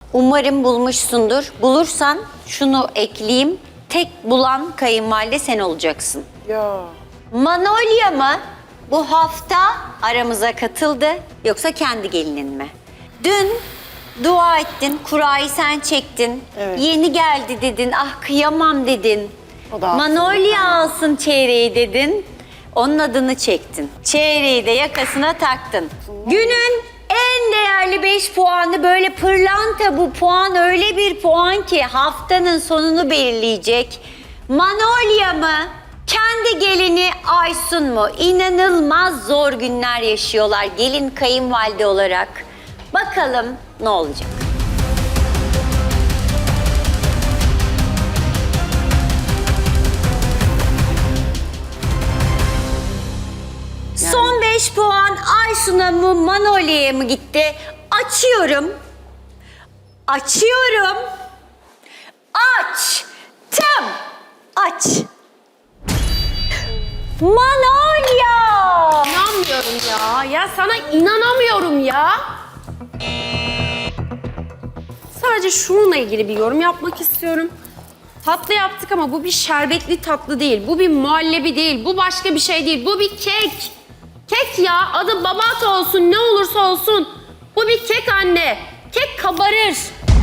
Umarım bulmuşsundur. Bulursan şunu ekleyeyim. Tek bulan kayınvalide sen olacaksın. Ya. Manolya mı bu hafta aramıza katıldı yoksa kendi gelinin mi? Dün dua ettin, kurayı sen çektin. Evet. Yeni geldi dedin, ah kıyamam dedin. O da alsın. Manolya alsın çeyreği dedin. Onun adını çektin. Çeyreği de yakasına taktın. Günün en değerli 5 puanı böyle pırlanta bu puan öyle bir puan ki haftanın sonunu belirleyecek. Manolya mı? Kendi gelini Aysun mu? İnanılmaz zor günler yaşıyorlar gelin kayınvalide olarak. Bakalım ne olacak? Son 5 puan Aysun'a mı Manolya'ya mı gitti? Açıyorum. Açıyorum. Açtım. Aç. Manolya! İnanmıyorum ya. Ya sana inanamıyorum ya. Sadece şununla ilgili bir yorum yapmak istiyorum. Tatlı yaptık ama bu bir şerbetli tatlı değil. Bu bir muhallebi değil. Bu başka bir şey değil. Bu bir kek. Kek ya. Adı babat olsun, ne olursa olsun. Bu bir kek anne. Kek kabarır.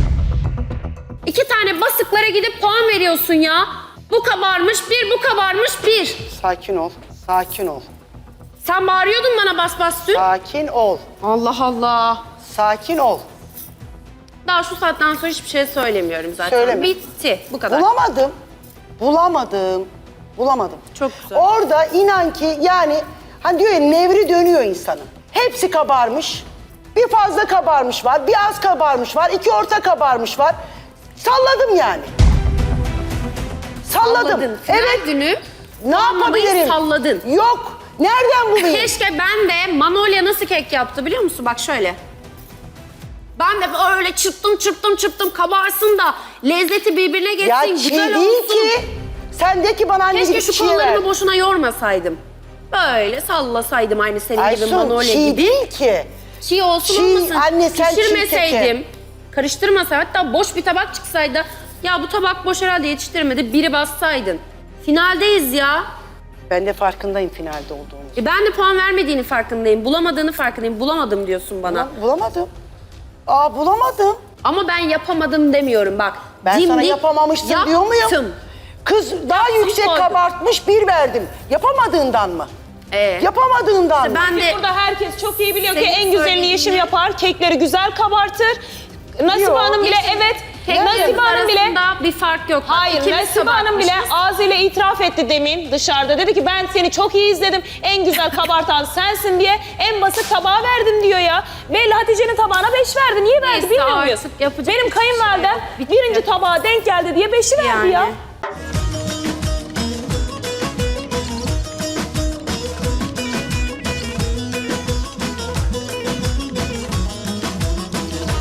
2 tane basıklara gidip puan veriyorsun ya. Bu kabarmış bir, bu kabarmış bir. Sakin ol. Sakin ol. Sen bağırıyordun bana bas bas dün. Sakin ol. Allah Allah. Sakin ol. Daha şu saatten sonra hiçbir şey söylemiyorum zaten. Söyleme. Bitti. Bu kadar. Bulamadım. Bulamadım. Bulamadım. Çok güzel. Orada inan ki yani hani diyor ya nevri dönüyor insanın. Hepsi kabarmış. Bir fazla kabarmış var, bir az kabarmış var, 2 orta kabarmış var. Salladım yani. Salladım. Salladın. Final Evet. günü Ne olmamayı yapabilirim? salladın. Yok. Nereden bulayım? Keşke ben de Manolya nasıl kek yaptı biliyor musun? Bak şöyle. Ben de öyle çırptım kabarsın da lezzeti birbirine geçsin, Ya güzel çiğ olsun. değil ki. Sen de ki bana anne Keşke gibi şu çiğ ver. kollarımı boşuna yormasaydım. Böyle sallasaydım aynı senin gibi Aysun Manolya çiğ gibi. değil ki. Çiğ olsun Çiğ, olmasın. anne sen çiğ Pişirmeseydim, keke. karıştırmasaydım, hatta boş bir tabak çıksaydı, ya bu tabak boş herhalde yetiştirmedi, biri bassaydın. Finaldeyiz ya. Ben de farkındayım finalde olduğunu. Ben de puan vermediğini farkındayım, bulamadığını farkındayım. Bulamadım diyorsun bana. Bulamadım. Bulamadım. Ama ben yapamadım demiyorum bak. Ben sana Dimdik yapamamışsın diyor muyum? yaptım. Kız daha yüksek koydum. kabartmış 1 verdim. Yapamadığından mı? Yapamadığından mı? Ben de Burada herkes çok iyi biliyor ki Senin en güzelini söylediğini- Yeşim yapar. Kekleri güzel kabartır. Nasibe Yok, Hanım bile Yeşim, evet. keklerimiz Nasibe Hanım bile arasında bir fark yok. Bak, hayır ikimiz Nasibe Hanım bile kabartmışız. ağzıyla itiraf etti demin dışarıda. Dedi ki ben seni çok iyi izledim. En güzel kabartan sensin diye en basit tabağı verdim diyor ya. Ve Hatice'nin tabağına 5 verdi. Niye verdi Neyse, bilmiyor artık muyuz? yapacak Benim bir şey kayınvalidem yok. Bitti. birinci tabağa denk geldi diye 5'i verdi ya.